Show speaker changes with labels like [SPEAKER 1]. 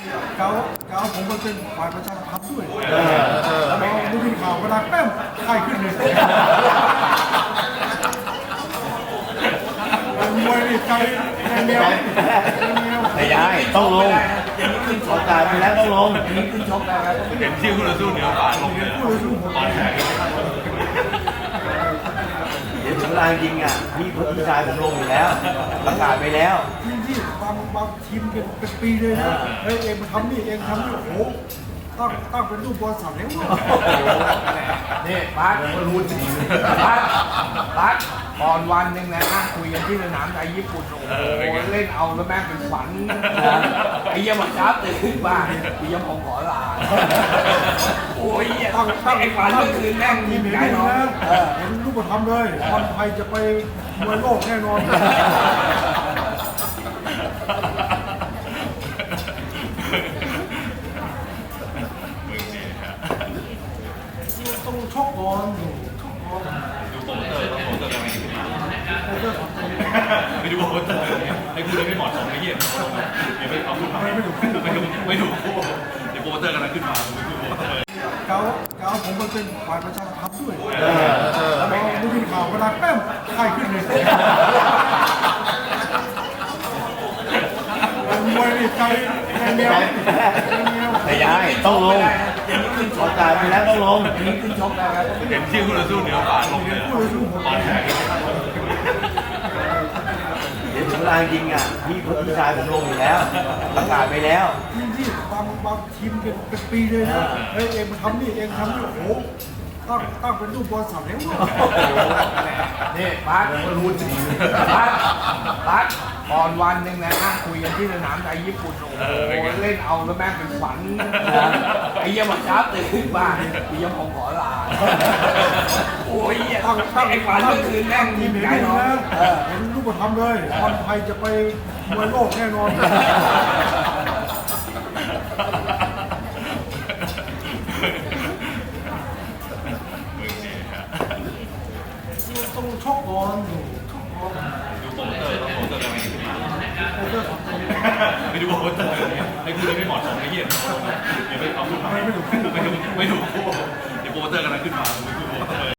[SPEAKER 1] เขาเขาผมมาเป็นฝ่ายประชาสัมพันธ์ด้วยพอดูข่าวเวลาแป้มไข้ขึ้นเลยมวยนี่ใจเหนียว
[SPEAKER 2] ไม่ได้ต้องลงโอกาสไปแล้วต้องลง
[SPEAKER 3] เห็นชื่อคุณสู้เหนือป่าลงเลย
[SPEAKER 1] ผู้สู้ผม
[SPEAKER 2] เดี๋ยวถึงเวลาจริงอ่ะพี่ชายผมลงอยู่แล้วประกาศไปแล้ว
[SPEAKER 1] ที่บางทีมเป็นปีเลยนะเฮ้ยเองมาทำนี่เองทำนี่โอ้โหตั้งเป็นรูปบอลสามเหลี่ยม
[SPEAKER 4] นี่บัสก็รู้จริงบัสก่อนวันหนึ่งนะนั่งคุยกันที่สนามไทยญี่ปุ่นโอ้โหเล่นเอาแล้วแม่งเป็นฝันไอ้เหี้ยังมาช้าตื่นขึ้นบ้านไอ้เหี้ยังผมขอลาโอ้ยตั้งไอ้ฝันเมื่อคืนแม่ง
[SPEAKER 1] ที
[SPEAKER 4] ยิ้
[SPEAKER 1] ม
[SPEAKER 4] ม
[SPEAKER 1] เห็น
[SPEAKER 4] ใหญ่
[SPEAKER 1] ดี
[SPEAKER 4] เนาะ
[SPEAKER 1] นะเห็นรูปธรรมเลยบอลไทยจะไปมวยโลกแน่นอนต้องชกก่อนชกก่อน
[SPEAKER 3] ดูโปรโมเตอร์ต้องโปรโมเตอร์ยังไงขึ้นมา
[SPEAKER 1] โอ้เรื่องของผม
[SPEAKER 3] ไปดูโปรโมเตอร์ให้คุณไม่เหมาะสมไม่เยี่ยมเดี๋ยวไปเอาขึ้นมาไม่ถูกเดี๋ยวโปรโมเตอร์กำลังขึ้นมาดูโปรโมเตอร์
[SPEAKER 1] เขาผมมาเป็นฝ่ายประชาสัมพันธ์ด้วยพอดูข่าวเวลาแป้มไข้ขึ้นเลยมวยนี่ใจเหนียว
[SPEAKER 2] ไม่ได้ต้องลงโอกาสไปแล้วต้องลง
[SPEAKER 3] เห็นชื่อคุณสู้เหนือป่าลงเลย
[SPEAKER 1] ผู้สู้ผม
[SPEAKER 2] เดี๋ยวถึงเวลาจริงอ่ะพี่ชายผมลงอยู่แล้วประกาศไปแล้ว
[SPEAKER 1] ที่บางทีมเป็นปีเลยนะเฮ้ยเองมาทำนี่เองทำนี่โอ้โหตั้งเป็นรูปบอลสามเหลี่ยม
[SPEAKER 4] นี่บัสก็รู้จริงบัสก่อนวันหนึ่งนะนั่งคุยกันที่สนามไทยญี่ปุ่นโอ้โหเล่นเอาแล้วแม่งเป็นฝันไอ้เหี้ยังมาช้าตื่นขึ้นบ้านไอ้เหี้ยังผมขอลาโอ้ยตั้งไอ้ฝันเมื่อคืนแม่ง
[SPEAKER 1] ที
[SPEAKER 4] ยิ้
[SPEAKER 1] ม
[SPEAKER 4] ม
[SPEAKER 1] เห็น
[SPEAKER 4] ใหญ่
[SPEAKER 1] ดี
[SPEAKER 4] เนาะ
[SPEAKER 1] นะเห็นรูปธรรมเลยบอลไทยจะไปมวยโลกแน่นอนต้องชกก่อนชกก่อน
[SPEAKER 3] ดูโปรโมเตอร์ต้องโปรโมเตอร์ยังไงขึ้นมา
[SPEAKER 1] โอ้เรื่องของผม
[SPEAKER 3] ไปดูโปรโมเตอร์ให้คุณไม่เหมาะสมไม่เยี่ยมเดี๋ยวไปเอาขึ้นมาไม่ถูกเดี๋ยวโปรโมเตอร์กำลังขึ้นมาดูโปรโมเตอร์